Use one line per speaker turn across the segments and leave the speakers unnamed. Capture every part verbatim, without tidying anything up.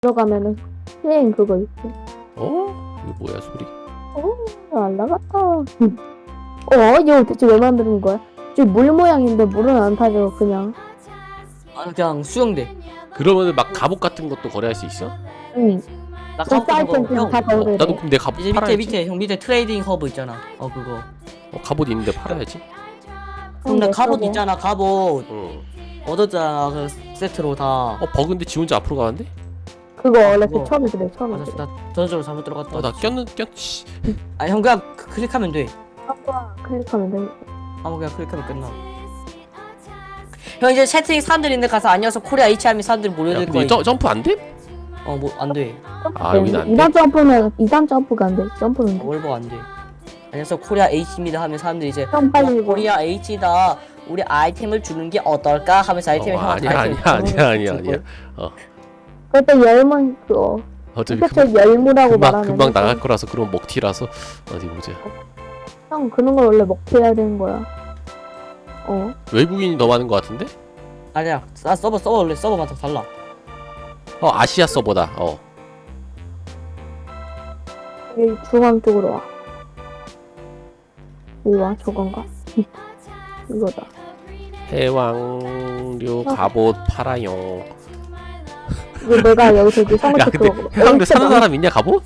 들어가면은 플레인 그거 있어.
어? 이거 뭐야 소리?
어, 안 나갔다. 어, 이거 대체 왜 만드는 거야? 지금 물 모양인데 물은 안 타죠, 그냥.
아 그냥 수영대.
그러면은 막 갑옷 같은 것도 거래할 수 있어?
응.
나
그
갑옷
사이트
그거 형.
다
어,
거래돼.
나도 그럼 내 갑옷
이제 밑에
팔아야지.
밑에 형 밑에 트레이딩 허브 있잖아. 어 그거.
어, 갑옷 있는데 팔아야지.
형 나
내
갑옷
거고.
있잖아. 갑옷
응.
얻었잖아. 그 세트로 다.
어 버그인데 지 혼자 앞으로 가는데?
그거 원래
그거.
그 처음에 그래, 처음에
맞아.
그래.
나 저절로 잘못 들어갔다.
어나 꼈는 꼈. 씨.
아 형 그냥 그- 클릭하면 돼.
아빠 클릭하면 돼.
아무 그냥 클릭하면 끝나. 형 이제 채팅 사람들 있는데 가서 안녕하세요 코리아 H 하면 사람들이
야
몰려들
근데
거야.
이 점, 점프 안 돼?
어뭐 안 돼.
아, 여기는 안 돼?
이단 점프는, 이단 점프가 안 돼. 점프는
어,
돼.
월버 안 돼. 안녕하세요 코리아 H입니다 하면 사람들이 이제
형 빨리 이거.
코리아 H다. 우리 아이템을 주는 게 어떨까 하면서 아이템을
어,
형
아니야 아니야 아니야 아니야 아니야.
그때 열문 그거.
어차피
그때
금방
열무라고
금방,
말하면.
금방 나갈 거라서 그런 먹튀라서 어디 보자.
형 그런 걸 원래 먹혀야 되는 거야. 어.
외국인이 더 많은 거 같은데?
아니야. 나 서버 서버 원래 서버마다 달라.
어 아시아 서버다. 어.
여기 중앙 쪽으로 와. 우와 저건가? 이거다.
해왕류
어.
갑옷 팔아요.
이거 내가 여기서 이제 성을
야 근데 해왕류 사는 사람 있냐 갑옷?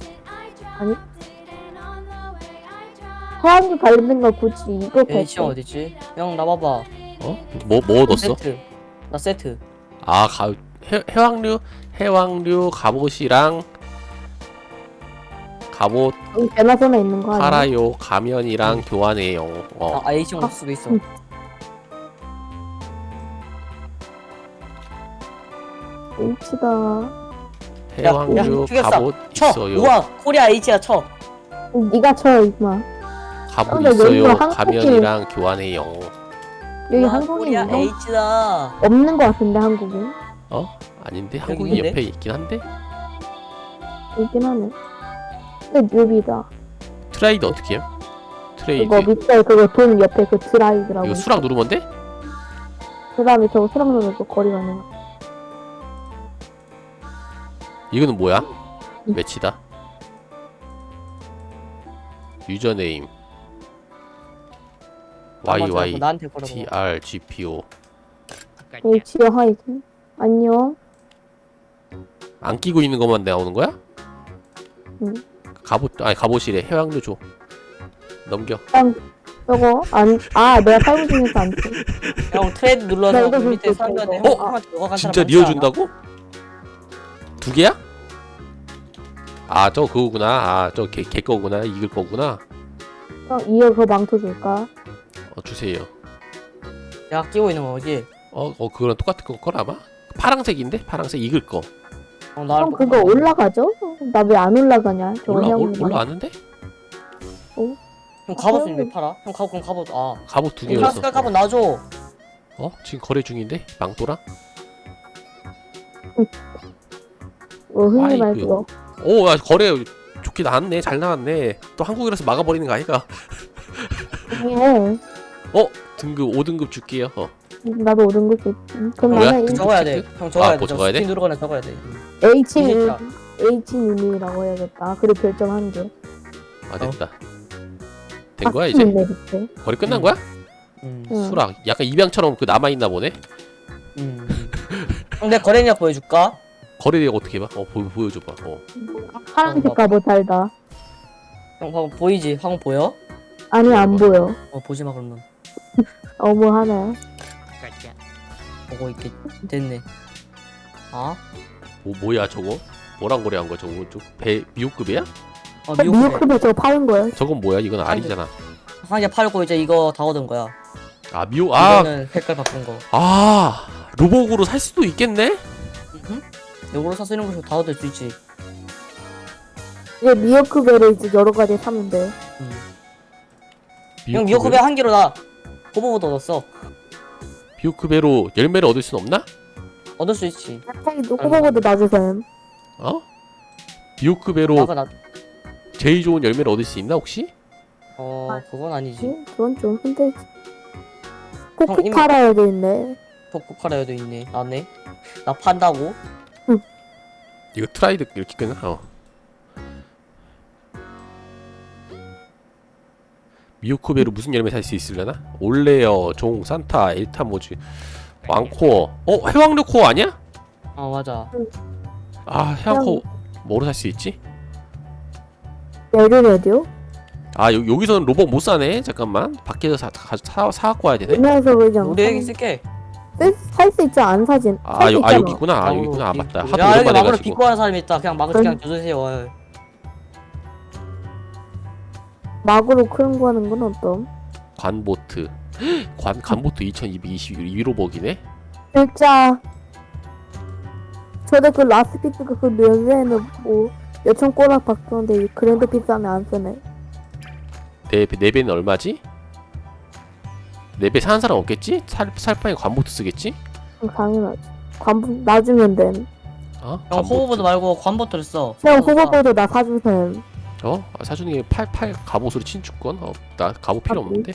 해양기 관련된 거 굳이 이거
H 형
뺄게.
어디지? 형 나봐봐.
어? 뭐 뭐 얻었어?
세트. 나 세트.
아, 가, 해, 해왕류, 해왕류 갑옷이랑 갑옷
여기 배나선에 있는 거 아니야?
팔아요. 가면이랑 교환해요. 어.
아, 아 H 형 없을 수도 있어.
응. H다.
해왕류
야, 죽였어.
갑옷
쳐.
있어요.
우와 코리아 H야 쳐.
네가 쳐 임마.
갑옷
근데
있어요.
여기가 한국인-
가면이랑 교환해요.
여기
우와,
한국인
코리아
있어?
H다.
없는 거 같은데 한국인?
어? 아닌데
여기
한국인
있는데?
옆에 있긴 한데
있긴 하네. 근데 뉴비다.
트레이드 어떻게 해요? 트레이드
이거 밑에 그거 돈 옆에 그 드라이브라고.
이거 수락 누르면 돼?
그 다음에 저거 수락 누르고 거리 가는 거.
이거는 뭐야?
응.
매치다. 유저네임 와이와이
나한테 걸어봐.
티알지피오
H요 하이든. 안녕.
안 끼고 있는 것만 나오는 거야?
응.
갑옷 아니 갑옷이래. 해왕류 줘. 넘겨.
저거 안, 아 내가 살고 중에서 안 돼.
형 트레이드
나
눌러서
이거
그 밑에
줄
사람들한테
거야.
형 형한테 너가 간
진짜
사람
리어
많지 않아?
준다고? 두 개야? 아 저 그거구나. 아 저 개, 개 거구나. 이글 거구나.
형 이어 그거 망토 줄까?
어 주세요.
내가 끼고 있는 거지.
어, 어 그거랑 똑같은 거 거라 아마? 파랑색인데? 파랑색 이글 거.
어, 나
형 그거 올라가죠? 나 왜 안 올라가냐? 저거
올라
형
올, 올라왔는데?
형 갑옷은 왜 팔아? 형 갑옷 그럼 갑옷 아.
갑옷 두
형
개였어.
색깔 갑옷 놔줘.
어? 지금 거래 중인데? 망토랑?
어 흔히
아이고.
말 그거.
오, 야, 거래 좋게 나왔네. 잘 나왔네. 또 한국이라서 막아버리는 거 아이가?
해.
등급 오 등급 줄게요. 어.
나도 오른 거지. 그럼
뭐야?
나는
그-
적어야 돼. 형 적어야
아,
돼.
뭐
저
적어야 돼?
스킨 누르거나 적어야 돼.
H
이십사.
H 님이라고 해야겠다. 그리고 별점 한 개.
아
어.
됐다. 된 거야 이제?
네 밑에.
거래 끝난
음.
거야?
음.
응.
수락. 약간 입양처럼 그 남아 있나 보네.
음. 형 내 거래량 보여줄까?
거래 내역 어떻게 봐? 어 보, 보여줘봐. 어.
파란색 갑옷 달다.
형 방금 보이지? 방금 보여?
아니 안 보여.
어 보지 마 그러면.
어머 하네.
보고 있게 됐네. 아?
뭐 뭐야 저거? 뭐랑 거래한 거야 저거? 저배 미호급이야?
어 미국
미역크도 저거 파는 거야.
저건 뭐야? 이건 알이잖아.
한 개 팔고 이제 이거 다 얻은 거야.
아 미호 아
이거는 색깔 바꾼 거.
아 로벅으로 살 수도 있겠네?
응? 이거로 사서 이런 거 다 얻을 수 있지.
이제 미역크 배를 이제 여러 가지 사면 돼.
음. 형 미역컵에 한 개로 나 호버보드 얻었어.
미호크배로 열매를 얻을 순 없나?
얻을 수 있지.
태기도 호버보드 놔주셈.
어? 미호크배로
나가 나.
제일 좋은 열매를 얻을 수 있나 혹시?
어 그건 아니지.
응? 그건 좀 힘들지.
형,
코피
이미-
팔아야 돼, 돼, 있네.
포크카라에도 있네. 나네. 나 판다고?
이거 트라이드 이렇게 끊어. 어. 미오크베로 무슨 열매 살 수 있으려나? 올레어, 종, 산타, 엘타모즈, 왕코어. 어? 해왕류코어 아니야?
어 맞아.
아 해왕코어 뭐로 살 수 있지?
에르레디오?
아 여, 여기서는 로봇 못 사네. 잠깐만 밖에서 사, 가, 사, 사갖고 와야 되네.
그래서 그냥
우리 애기 쓸게.
살 수 있지 안 사진.
아,
살수
여, 아
있잖아.
여기 있구나. 아 여기
마구로
있구나. 아
비-
맞다.
야
하도
여기
오랜만에
마구로
해가지고.
빚고 하는 사람이 있다. 그냥 마구 그냥 줘주세요. 어.
막으로 크는 거 하는 건 어떤?
관보트. 관 관보트 이천이백이십일 로벅이네.
진짜 저도 그 라스피트가 그 면세에는 뭐 몇천 꼬락 박던데 그랜드 피스하면 안 쓰네.
네, 배- 네 배는 얼마지? 네 배 사는 사람 없겠지? 살, 살 바에 관보트 쓰겠지?
그럼 당연하지. 관부 놔주면 됨.
어?
형 호버보드 말고 관보트를 써.
형 호버보드 나 사주셈.
어? 아, 사주는 게 팔, 팔 갑옷으로 친축권? 어, 나 갑옷 필요
아,
없는데?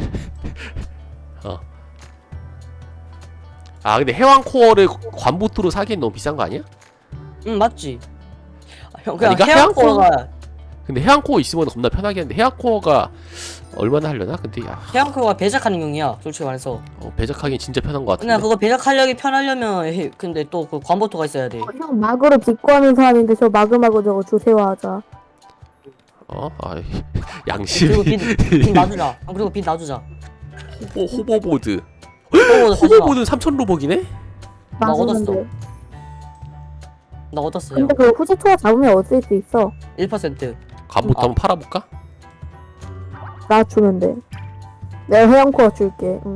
어. 아, 근데 해왕코어를 관보트로 사기엔 너무 비싼 거 아니야?
응 맞지. 아, 형 그냥
아니, 그러니까
해양코어가
근데 해왕코어 있으면 겁나 편하게 하는데 해왕코어가 얼마나 하려나? 근데 야,
해양코어가 배작하는 용이야. 솔직히 말해서.
어, 배작하기엔 진짜 편한 거
그냥
같은데?
그거 배작하려기 편하려면 해- 근데 또 그 관보트가 있어야 돼.
형 막으로 빚고하는 사람인데 저 마그마그 저거 주세요 하자.
어? 아,
그리고
양심이
빚, 빚 놔주자. 아, 그리고 빚 놔주자.
호버, 호버보드
호버보드 사지 마.
호버보드는 삼천 로벅이네?
나
맞았는데.
얻었어. 나 얻었어요.
근데 그 후지 투어 잡으면 얻을 수 있어.
일 퍼센트.
갑옷
아.
한번 팔아볼까?
나 주면 돼. 내가 해양코어 줄게. 응.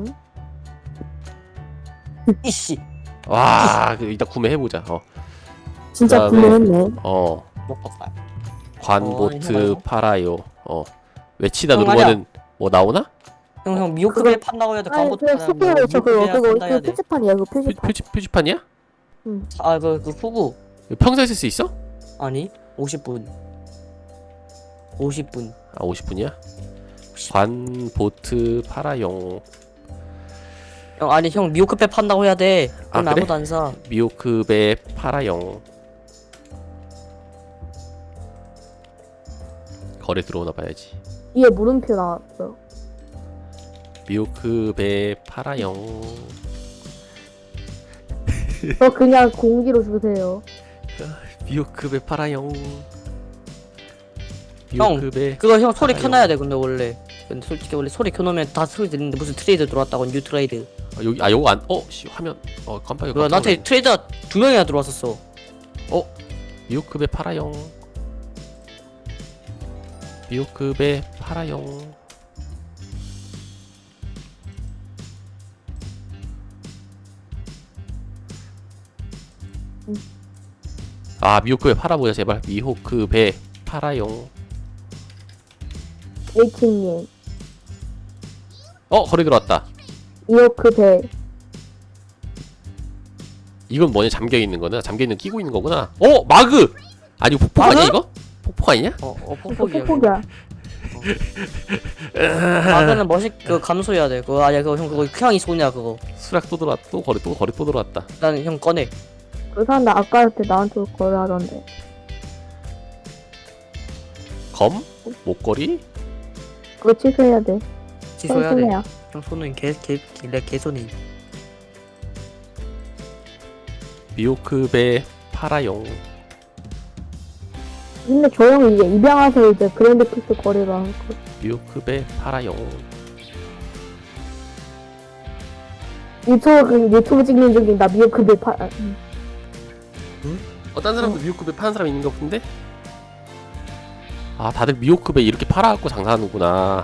이씨.
와, 그 이따 구매해보자. 어,
진짜
그다음에-
구매했네.
어,
못 봤다.
관보트
해봐요.
팔아요. 어, 외치다
형,
누르면은 뭐 나오나?
형, 형 미호크베 판다고 해야 돼.
아니
관보트
그
판다고
소개를 저 그거 그거
판다 해야
그
돼.
표지판이야 그
표,
표지판.
표지, 표지판이야?
아, 그, 그 후구.
평소에 쓸 수 있어?
아니, 오십 분. 오십 분.
아, 오십 분이야? 관보트 팔아용.
형, 아니, 형 미호크베 판다고 해야 돼.
아,
그럼
그래?
아무도 안 사.
미오크베 팔아용. 거래 들어오나 봐야지.
위에 물음표 나왔어.
미오크베 팔아용.
저 그냥 공기로 주세요.
미오크베 팔아용.
형,
미오크베.
그거 형 소리
알아요.
켜놔야 돼, 근데 원래. 근데 솔직히 원래 소리 켜놓으면 다 소리 들리는데 무슨 트레이드 들어왔다고, 뉴 트레이드.
아, 여기 아 요거 안. 어, 씨 화면. 어 깜빡이.
그거 나한테 트레이드가 두 명이나 들어왔었어.
미오크베 팔아용. 미오크베 팔아용. 아 미오크베 팔아보자 제발. 미호크베 팔아용.
에이킹님.
어 거래 들어왔다.
이오크 배.
이건 뭐냐? 잠겨있는 거나 잠겨있는 끼고 있는 거구나. 어 마그! 아니 이거 폭포 아니야
마그?
이거? 폭포 아니냐?
어, 어,
이거
폭폭이야.
폭폭이야.
마그는 멋있, 그 감소해야 돼. 그거 아니야, 그거 형, 그거 형이 쏘냐, 그거.
수락 또 들어왔. 또 거래 또 거래 또 들어왔다.
난 형 꺼내.
그 사람 나 아까 할 때 나한테 거래하던데.
검? 목걸이?
그거 취소해야 돼.
취소해야 돼.
손해야.
형 손은 개, 개, 개, 내 개손이.
미오크베 팔아용.
근데 저 형이 이제 입양해서 이제 그랜드 피스 거래를 한 거.
미오크베 팔아용.
유튜브 그 유튜브 찍는 중인 나 미오크 배 파. 아, 음.
어, 딴 사람도 미오크베 파는 사람 있는 것 같은데? 아, 다들 미오크베 이렇게 팔아갖고 장사하는구나.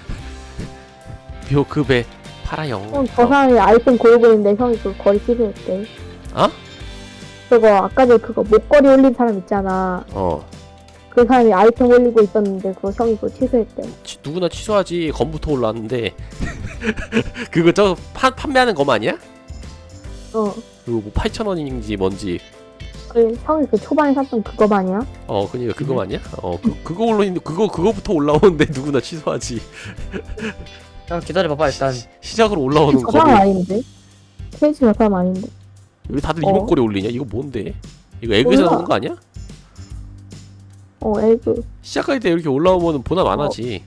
미오크베 팔아용.
형, 저 사람이 아이템 고르고 있는데 형이 그 거리 취소했대.
어?
그거 아까 전에 그거 목걸이 올린 사람 있잖아.
어.
그 사람이 아이템 올리고 있었는데 그거 형이 그거 취소했대.
치, 누구나 취소하지. 검부터 올라왔는데. 그거 저 파, 판매하는 검 아니야?
어.
그거 뭐 팔천 원인지 뭔지.
그 형이 그 초반에 샀던 그거 아니야?
어, 그니까 그거 아니야? 어, 그, 그거 올라있는, 그거, 그거부터 올라오는데 누구나 취소하지.
형 기다려봐봐, 일단.
시, 시작으로 올라오는
저 사람
검을.
아닌데? 케이지 저 사람 아닌데?
왜 다들
어?
이목걸이 올리냐? 이거 뭔데? 이거 에그에서
몰라.
나온 거 아니야?
어 에그.
시작할 때 이렇게 올라오면 보남 안 하지.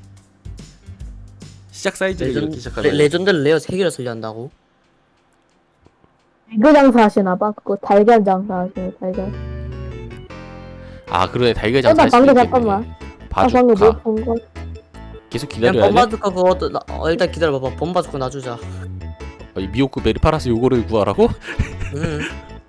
시작 사이즈를
레전,
이렇게
레,
시작하면
레전드를 레어 세 개를 소유한다고?
에그 장사 하시나봐. 그거 달걀 장사 하시네 달걀.
아 그러네 달걀
어,
장사
나
할 수도
방금
있겠네.
잠깐만. 나 방금 뭐
바주카
본 거?
계속
그냥
기다려야 돼?
범바주카 그거 나, 어, 일단 기다려봐봐. 범바주카 놔주자.
어, 이 미호크 베리 팔아서 요거를 구하라고?
응.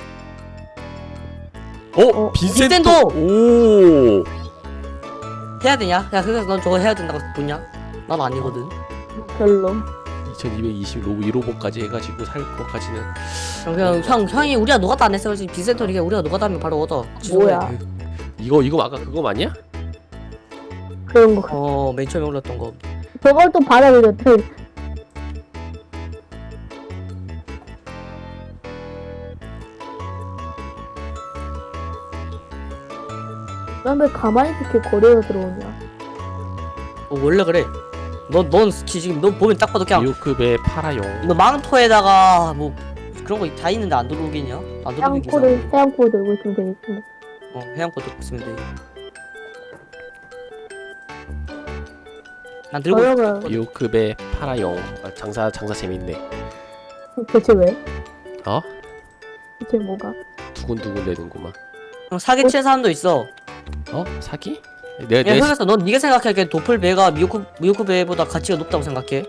어?
어,
빈센토!
빈센토!
오!
해야 되냐? 야 그래서 넌 저거 해야 된다고 보냐? 난 아니거든.
별로.
이천이백이십 로브 일 호보까지 해가지고 살 것까지는
형, 그냥 형 형이 우리가 노가다 안 했어. 빈센토니까 우리가 노가다 하면 바로 얻어.
뭐야?
이거 이거 아까 그거 맞냐?
그런 거.
어, 맨 처음에 올랐던 거.
저걸 또 받아들였대. 난 왜 가만히 이렇게 거리로 들어오냐?
어, 원래 그래. 너넌 지금 너 보면 딱 봐도 그냥
미호크 베 팔아용.
너 망토에다가 뭐 그런 거 다 있는데 안 들어오겠냐? 안 들어오긴
해양코를 해양코 들고 있으면 되겠지.
어, 해양코 들고 있으면 돼. 난 들고
그러면
있어.
미호크 베 팔아용. 아, 장사 장사 재밌네.
대체 왜?
어?
대체 뭐가?
두근두근 되는구만.
형 사기 치는 사람도 있어.
어? 사기? 내가
야,
내
그래서 넌 네가 생각하기에 도플배가 미호크 미호크배보다 가치가 높다고 생각해?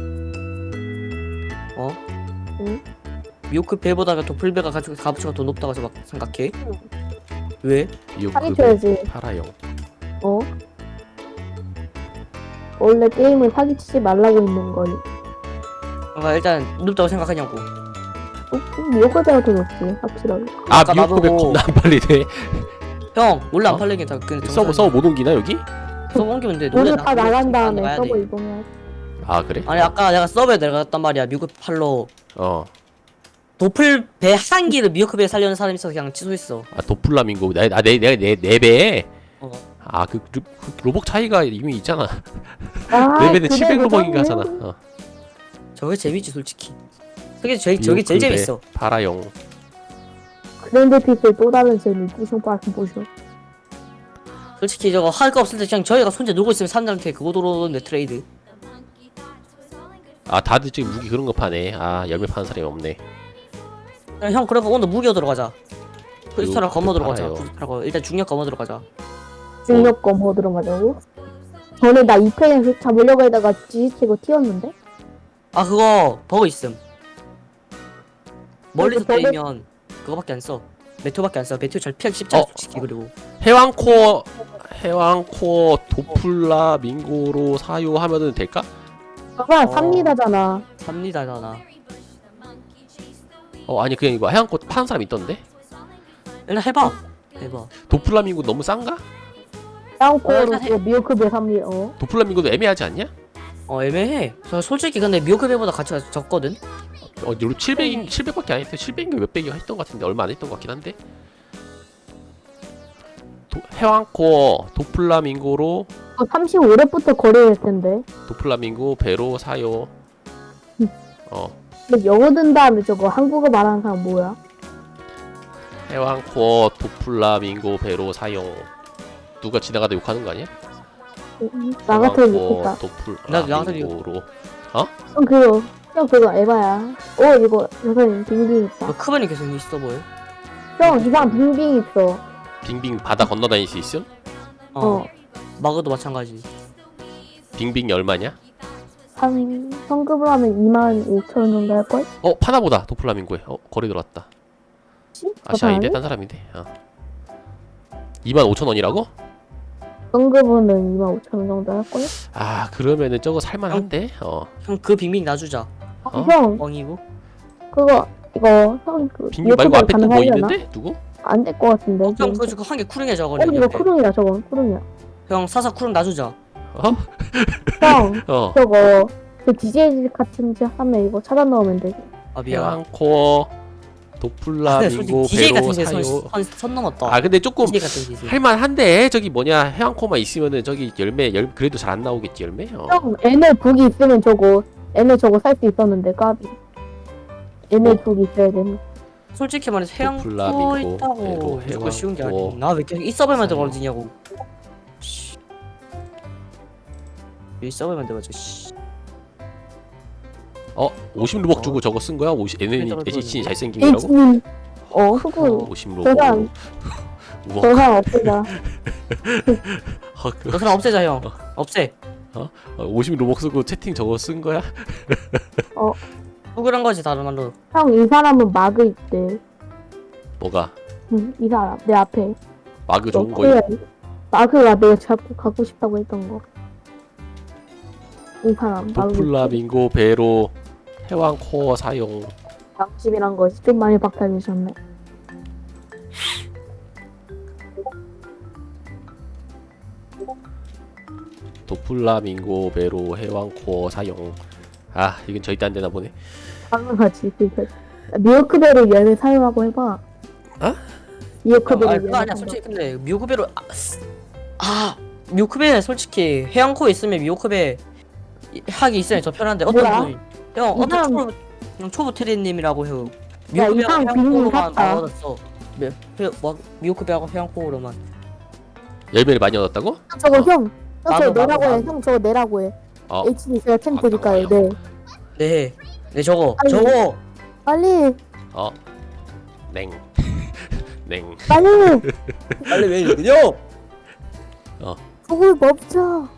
어?
응?
미호크배보다 도플배가 가치가 값어치가 더 높다고 생각- 생각해? 왜?
미호크
사기
베
쳐야지.
팔아용.
어? 원래 게임을 사기치지 말라고 있는 거니.
그러니까 일단 높다고 생각하냐고.
미역과자가 더 높지 확실하게.
아
아까
미호크 베
나보고-
겁나 안 팔리네.
형 원래 안
어?
팔리긴 다 근데
서버 서버 못 옮기나 여기?
서버 옮기면 돼.
돈을
노래
다
나-
나간
노래
다음에
나가야
서버
돼.
이동해야 돼.
아 그래?
아니 아까 내가 서버에 내려갔단 말이야. 미국 팔로
어.
도플배 한 기를 미호크배에 살려는 사람이 있어서 그냥 취소했어.
아 도플라밍고 나, 나 내, 내가 내네 배.
어.
아그 그, 그 로벅 차이가 이미 있잖아.
아,
네 배는
그래,
칠백 로벅인가
그러네.
하잖아. 어.
저게 재밌지 솔직히. 저게 제일 저게 제일
미호크 베
재밌어.
팔아용.
그랜드 픽셀 또 다른 재미 부숑 빠른 부숑.
솔직히 저거 할 거 없을 때 그냥 저희가 손재 놀고 있으면 사람들한테 그거 들어오는데 트레이드.
아 다들 지금 무기 그런 거 파네. 아 열매 파는 사람이 없네.
그냥 형 그러면 오늘 무기어 들어가자. 크리스탈 검어 들어가자.
팔아요.
크리스탈 검어. 일단 중력 검어 들어가자.
중력검 뭐 들어가자고? 전에 나 이 편에서 잡으려고 하다가 지지치고 튀었는데?
아 그거 버그 있음. 멀리서
버그-
때리면 그거밖에 안 써. 메테오밖에 안 써. 메테오 잘 피하기 쉽지 않아
어.
솔직히. 그리고
해왕코어 해왕코어 도플라밍고로 사요하면은 될까?
봐봐
어.
삽니다잖아.
삽니다잖아.
어 아니 그냥 이거 해왕코 파는 사람 있던데?
일단 해봐. 해봐.
도플라밍고 너무 싼가?
어,
해양코어로
일단 해.
미역크배 삽니다. 어?
도플라밍고도 애매하지 않냐?
어 애매해. 저 솔직히 근데 미호크배보다 가치가 적거든.
어 칠백 칠백밖에 안 했대. 칠백인가 몇백이 했던 것 같은데 얼마 안 했던 것 같긴 한데. 도, 해왕코어 도플라밍고로
어, 삼십오 렙부터 거래할 텐데.
도플라밍고 배로 사요.
음.
어
근데 영어 든 다음에 저거 한국어 말하는 사람 뭐야?
해왕코어 도플라밍고 배로 사용. 누가 지나가다 욕하는 거 아니야?
음, 나 같으면
해왕코어
좋겠다.
나- 나 같으면
도플라밍고로
형 그거 형 그거 에바야. 어 이거 여기 빙빙 있다.
너 크반이 계속 있어 보여.
형 이상 빙빙 있어.
빙빙 바다 건너 다닐 수 있음?
어.
어.
마그도 마찬가지.
빙빙이 얼마냐?
한 성급을 하면 이만 오천 원 정도 할걸?
어 파나보다 도플라밍고에 어 거리 들어왔다. 아씨 아닌데 딴 사람인데. 어. 이만 오천 원이라고?
성급은 이만 오천 원 정도 할걸?
아 그러면은 저거 살만한데? 어
형 그 빙빙 놔주자.
어?
형
뻥이고.
그거 이거 형그
빙빙 말고 앞에 또 뭐 있는데? 누구?
안될 것 같은데.
형
지금.
그거 한개 쿠링해
어
저거는.
이거
옆에.
쿠릉이야 저건 쿠릉이야.
형 사사 쿠링 놔주자.
어?
형
어
저거 그 디제이 같은 지 하면 이거 차단 넣으면 돼.
아 미안.
해왕코어
근데
도플라밍고
솔직히 디제이
배로
같은
사요.
게선 선 넘었다.
아 근데 조금
디제이 같은 디제이.
할만한데 저기 뭐냐 해왕코어만 있으면은 저기 열매 열 그래도 잘 안 나오겠지 열매? 어.
형 얘네 북이 있으면 저거 얘네 저거 살 수 있었는데 까비. 얘네
어?
북이 있어야 되는.
솔직히 말해서 해양
도플라밍고,
코 있다고
배로,
무조건 쉬운 게
해왕코어,
아니. 나왜 계속 이 서버에만
사용.
들어가지냐고. 씨. 이 서버에만 들어가지. 씨.
어 오십 루벅 주고 저거 쓴 거야? 오십 에너지
떨어져
에이치
있는데.
잘생긴 거라고?
H님 어 후보
오십 루벅.
저상
우와.
저상 없애자.
아, 그,
너 사람 없애자 형. 없애.
어, 오십 루벅 쓰고 채팅 저거 쓴 거야?
구글한 거지 다른 말로.
형 이 사람은 마그 있대.
뭐가?
응, 이 사람 내 앞에.
마그 좋은 거.
코에 마그가 내가 자꾸 갖고 싶다고 했던 거. 이 사람 마그.
도플라밍고 배로 해왕 코어 사용.
양심이란 것이 좀 많이 박탈되셨네.
도플라밍고 배로 해왕 코어 사용. 아 이건 절대 안 되나 보네.
당연하지. 그거. 미오크베로 열매 사용하고 해봐.
어?
미오크베로
아
열매.
그거 아니야. 솔직히 근데 미오크베로 아, 아 미오크베 솔직히 해양코에 있으면 미오크베 하기 있으면 더 편한데 어떤
뭐야?
분이 형
이
어떤
사람-
초보 형 초보 트리님이라고 해요.
야, 이
미오크베하고
사람 비밀
해양코로만
샀다.
다 얻었어. 미, 그, 뭐, 미오크베하고 해양코로만.
열매를 많이 얻었다고?
저거
어.
형. 형
나도,
저거 내라고
나도,
해.
나도.
형 저거 내라고 해.
어
에이치디 제가 템
아,
드릴까요?
나와요.
네.
네, 네 저거,
아니.
저거.
빨리
어. 냉. 냉.
빨리
빨리 왜 이러냐?
그걸 멈춰.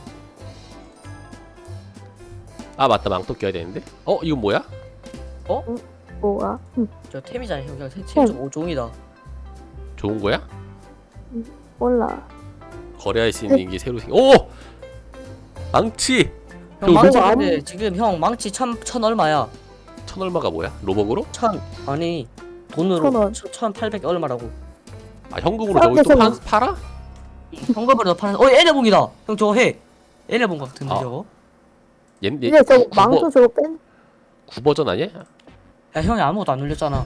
아 맞다 망토 껴야 되는데. 어 이건 뭐야?
뭐야? 응,
저 템이잖아, 형. 그냥 템좀 오종이다.
좋은 거야?
몰라.
거래할 수 있는 게 새로 생. 오 망치.
형
저
망치
로봇
근데 지금 형 망치 천, 천 얼마야?
천 얼마가 뭐야? 로벅으로?
천 아니 돈으로
천 원.
천, 천팔백 얼마라고?
아 현금으로 저기 또
그렇게
파, 팔아?
현금으로 파는. 어 에레봉이다. 형 저거 해. 에레봉 같은데
아.
저거?
얘, 얘
근데 저
구,
망토
버,
저거 뺀.
구 버전 아니야?
야 형이 아무것도 안 눌렸잖아.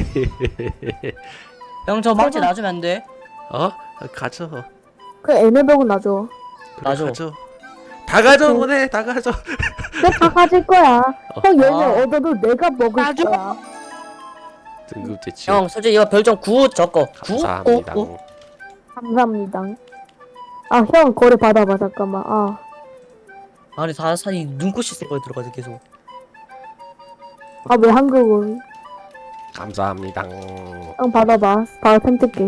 형 저 망치
설마.
놔주면 안 돼?
어? 가져.
그 에메병은 놔줘.
그래,
놔줘.
가져. 다 가져 보내. 다 가져.
내가 가질 거야.
어.
형 열매
아.
얻어도 내가 먹을
놔줘.
거야.
등급 제치.
형 솔직히 이거 별점 구 적거. 구?
감사합니다.
구? 구?
감사합니다. 아 형 거래 받아봐 잠깐만. 아
아니 다 사이 눈꽃이 쓸 거에 들어가지 계속.
아 왜 한국은?
감사합니다.
형 받아봐. 바로 템 뜯게.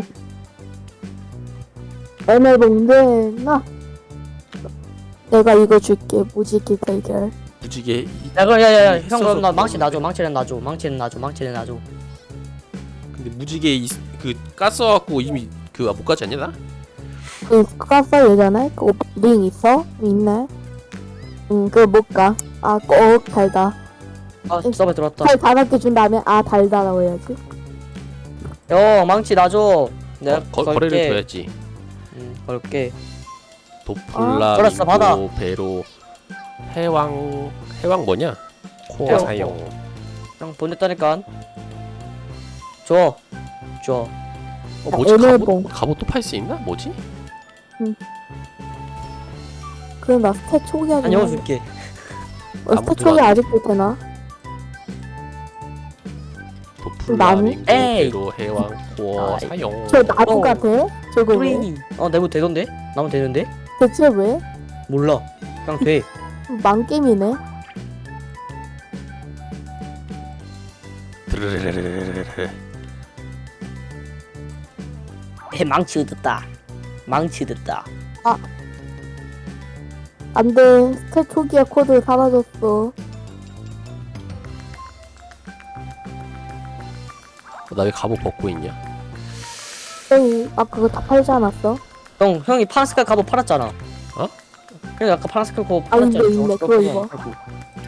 에메봉 나. 내가 이거 줄게. 무지개 대결.
무지개. 이-
야 그럼 야야야 형
있어서
그럼 나 망치
그러는데.
놔줘. 망치는 놔줘. 망치는 놔줘. 망치는 놔줘.
근데 무지개 이, 그 깠어갖고 이미 그 못 가지 않냐 나?
그 깠어 예전에? 그링 있어? 있네. 응 그거 못 가. 아 꼭 달다.
아 서버 들어왔다.
달 다섯 개 준 다음에 아 달다라고 해야지.
형 망치 놔줘. 내가
어, 거, 거래를
걸게.
둬야지.
응 걸게.
도플라
걸었어, 받아.
민고 배로 해왕 해왕 뭐냐? 코어
해왕
사용.
형 보냈다니까. 줘. 줘.
어 뭐지?
에메봉.
갑옷 갑옷 또 팔 수 있나? 뭐지?
그럼 나 스탯 초기화 좀.
다녀줄게.
어, 스탯
아무도
초기
안
아직도 되나?
도플라
나무?
민고
에이.
배로 해왕 코어
아이.
사용.
저 나무가
어.
돼? 저거 왜?
프레이. 어 내부 되던데? 나면 되는데?
대체 왜?
몰라. 그냥 돼.
망게임이네.
드르르르르르르.
해 망치 얻었다. 망치 얻었다.
안돼. 스탯 초기화 코드 사라졌어.
나 왜 갑옷 벗고 있냐?
형이 아 그거 다 팔지 않았어?
형 형이 파란색깔 갑옷 팔았잖아.
어?
형이 아까 파란색깔 갑옷
아,
팔았잖아.
있네, 있네.
저거
그거
그거
입어.
팔고.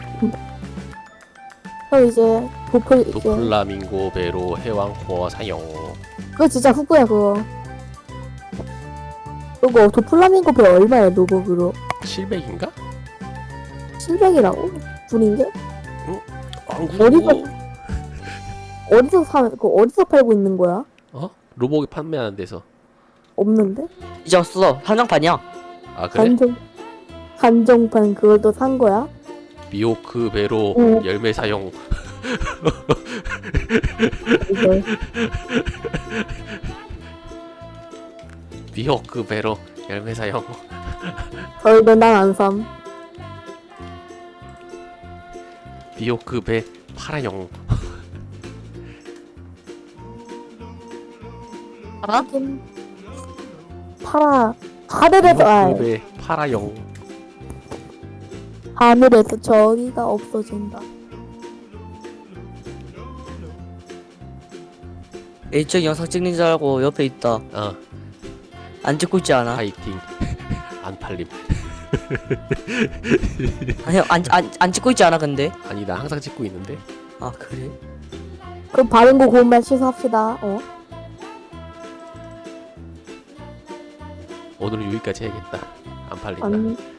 형 이제 도플 이제
도플라 민고 배로 해왕 코어 사용.
그거 진짜 후구야 그거. 그거 도플라밍고 배 얼마야 노복으로?
칠백인가?
칠백이라고? 둘인 게?
왕구.
어디서- 어디서 사 그거 어디서 팔고 있는 거야?
어? 로봇이 판매하는 데서.
없는데?
이제 없어. 한정판이야.
아 그래?
한정 한정판 그걸 또 산 거야?
미호크 배로
응.
열매 사용.
이걸
미호크 배로 열매 사용.
저희도 난안 삼.
미호크 배 파라용.
알아?
파라 하늘에서 아,
미호크 배 파라용.
하늘에서 저기가 없어진다.
A쪽 영상 찍는 줄 알고 옆에 있다.
어
안 찍고 있지 않아?
파이팅. 안 팔림.
아니 안, 안, 안 찍고 있지 않아 근데?
아니 나 항상 찍고 있는데.
아 그래?
그럼 바른 거 고운말 취소합시다. 어?
오늘은 여기까지 해야겠다. 안 팔린다.
안